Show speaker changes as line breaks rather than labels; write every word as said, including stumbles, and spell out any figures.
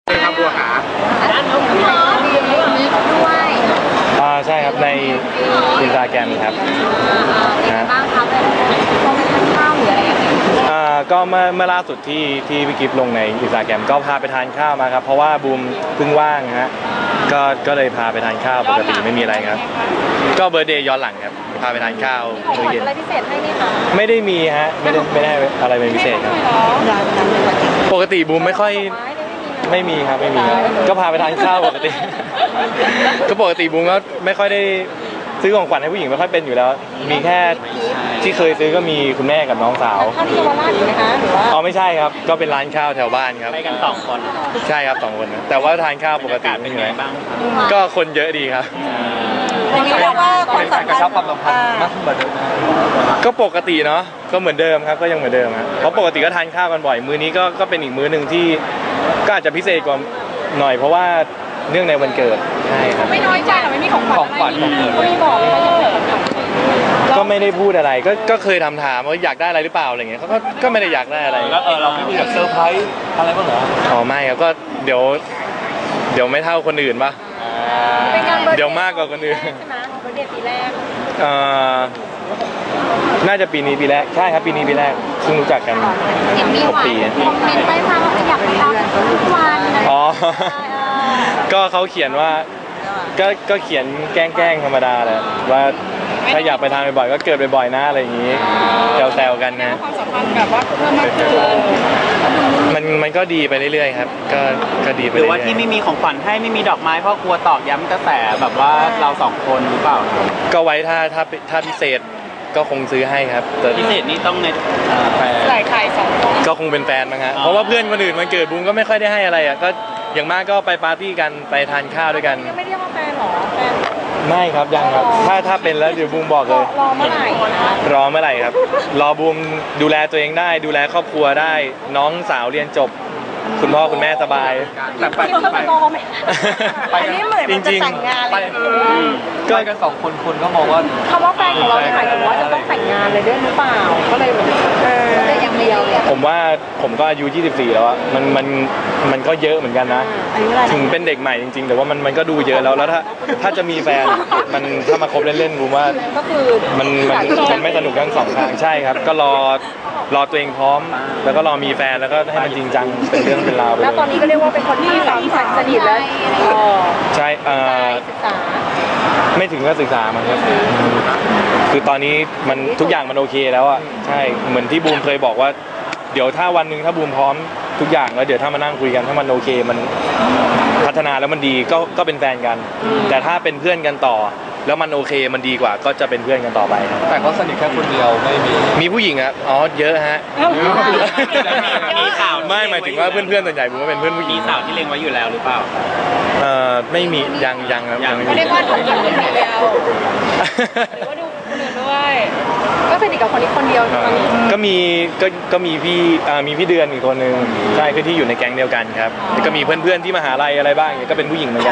ครับบัวหา
ด้านน้องพี่น้องมีมีด้วย
อ่าใช่ครับในอินสตาแกรมครับ
นะบ้างครับโมเมนต์ทานข้าวหรืออะไรอย่างเงี้ย
อ่าก็เมื่อเมื่อล่าสุดที่ที่พี่กิฟต์ลงในอินสตาแกรมก็พาไปทานข้าวมาครับเพราะว่าบูมเพิ่งว่างฮะก็ก็เลยพาไปทานข้าวปกติไม่มีอะไรครับก็เบอร์เดย์ย้อนหลังครับพาไปทานข้าวมื้อเย็น
อะไรพิเศษให้ไหมคะ
ไม่ได้มีฮะไม่ได้ไม่ได้อะไรเป็นพิเศษครับปกติบูมไม่ค่อยไม่มีครับไม่มีครับก็พาไปทานข้าวปกติก็ปกติบูมก็ไม่ค่อยได้ซื้อของขวัญให้ผู้หญิงไม่ค่อยเป็นอยู่แล้วมีแค่ที่เคยซื้อก็มีคุณแม่กับน้องสาว
ข้าวที่เยาวราชอยู่ไหมคะหรือว่า
อ๋อไม่ใช่ครับก็เป็นร้านข้าวแถวบ้านครับ
ไปกันสองคน
ใช่ครับสองคนแต่ว่าทานข้าวปกติ
เป็นไงบ้าง
ก็คนเยอะดีครับ
อย่างนี้เรียกว่าความสัมพันธ์
กระชับความสัมพันธ์มากขึ้นกว่าเดิมก็ปกติเนาะก็เหมือนเดิมครับก็ยังเหมือนเดิมครับเพราะปกติก็ทานข้าวกันบ่อยมื้อนี้ก็ก็เป็นอีกมื้อหนึ่งที่ก็อาจจะพิเศษกว่าหน่อยเพราะว่าเนื่องในวันเกิดใช่ครับ
ไม่น้อยใจหรอไม่มีของขวัญของเกิดไม่บอกเลยว่าจะเกิด
ก็ไม่ได้พูดอะไรก็ก็เคยทำถามว่าอยากได้อะไรหรือเปล่าอะไรเงี้ยเขาก็ก็ไม่ได้อยากได้อะไร
แล้วเออเราไม่มีแบบเซอร์ไพรส์อะไรบ้างเหรอ
อ๋อไม่ครับก็เดี๋ยวเดี๋ยวไม่เท่าคนอื่นป่ะเดี๋ยวมากกว่าคนอื่น
ใช่ไหมเบอร์เดย์ปีแรก
เอ่อน่าจะปีนี้ปีแรกใช่ครับปีนี้ปีแรกเพิ่งรู้จักกัน
เห็นมีหวานคอมเมนต์ไปมาว่าอยากไปตามทุกวัน
อ๋อก็เขาเขียนว่าก็ก็เขียนแกล้งๆธรรมดาแหละว่าถ้าอยากไปทานบ่อยๆก็เกิดบ่อยๆนะอะไรอย่างนี้แซวๆกันนะ
ความสัมพันธ์แบบว่าเพิ่มมากขึ้น
มันมันก็ดีไปเรื่อยๆครับก็ก็ดีไป
หรือว่าที่ไม่มีของขวัญให้ไม่มีดอกไม้เพราะกลัวตอกย้ำกระแสแบบว่าเราสองคนหรือเปล่า
ก็ไว้ถ้าถ้าถ้าพิเศษก็คงซื้อให้ครับแต่
พิเศษนี่ต้องใน
แฟนใส่ไข่สองคน
ก็คงเป็นแฟนมั้งฮะเพราะว่าเพื่อนคนอื่นมันเกิดบูมก็ไม่ค่อยได้ให้อะไรอ่ะก็อย่างมากก็ไปปาร์ตี้กันไปทานข้าวด้วยกัน
ยังไม่เรียกว่าแฟนหรอแฟน
ไม่ครับยังครับถ้าถ้าเป็นแล้วเดี๋ยวบูมบอกเลย
รอเมื่อไหร่
รอเมื่อไหร่ครับรอบูมดูแลตัวเองได้ดูแลครอบครัวได้น้องสาวเรียนจบคุณพ่อคุณแม่สบาย
แต่ไปไปไปนี่เหมือนมันจะแต่งงานเลย
ก็กันสองคนคนก็มองว่า
คำว่าแฟนของเราหมายถึงว่าจะต้องแต่งงานเลยด้วยหรือเปล่าก็เลยแบบเออแต่อย่างเดียว
ผมว่าผมก็อายุยี่สิบสี่แล้วอะมันมันมันก็เยอะเหมือนกันนะถึงเป็นเด็กใหม่จริงๆแต่ว่ามันมันก็ดูเยอะแล้วแล้วถ้าถ้าจะมีแฟนมันถ้ามาคบเล่นๆผมว่า
ก็คือ
มันมันมันไม่สนุกทั้งสองทางใช่ครับก็รอรอตัวเองพร้อมแล้วก็รอมีแฟนแล้วก็ให้มันจริงจังเป็นเรื่องเป็นราวไปเลย
แล้วตอนนี้ก็เรียกว่าเป็นคนที่สามสสนิทแล้ว
ใช่เอ่อ
ศึกษา
ไม่ถึงก็ศึกษามันครับคือตอนนี้มันทุกอย่างมันโอเคแล้วอ่ะใช่เหมือนที่บูมเคยบอกว่าเดี๋ยวถ้าวันหนึ่งถ้าบูมพร้อมทุกอย่างแล้วเดี๋ยวถ้ามานั่งคุยกันถ้ามันโอเคมันพัฒนาแล้วมันดีก็ก็เป็นแฟนกันแต่ถ้าเป็นเพื่อนกันต่อแล้วมันโอเคมันดีกว่าก็จะเป็นเพื่อนกันต่อไป
แต่เขาสนิทแค่คนเดียวไม่มี
มีผู้หญิงครับอ๋อเยอะฮะ
มีข่าว
ไม่หมายถึงว่าเพื่อนๆส่วนใหญ่ผมว่าเป็นเพื่อนผู้หญิง
มีสาวที่เล็งไว้อยู่แล้วหรือเปล่า
เอ่อไม่มียังยังครับ
ยังไม่ได้ว่าคนเดียวคนเดียวหรือว่าดูคนอื่นด้วยก็สนิทกับคนนี้คนเดียวตอนนี้
ก็มีก็ก็มีพี่อ่ามีพี่เดือนอีกคนนึงใช่คือที่อยู่ในแก๊งเดียวกันครับก็มีเพื่อนๆที่มหาลัยอะไรบ้างก็เป็นผู้หญิงเหมือนกัน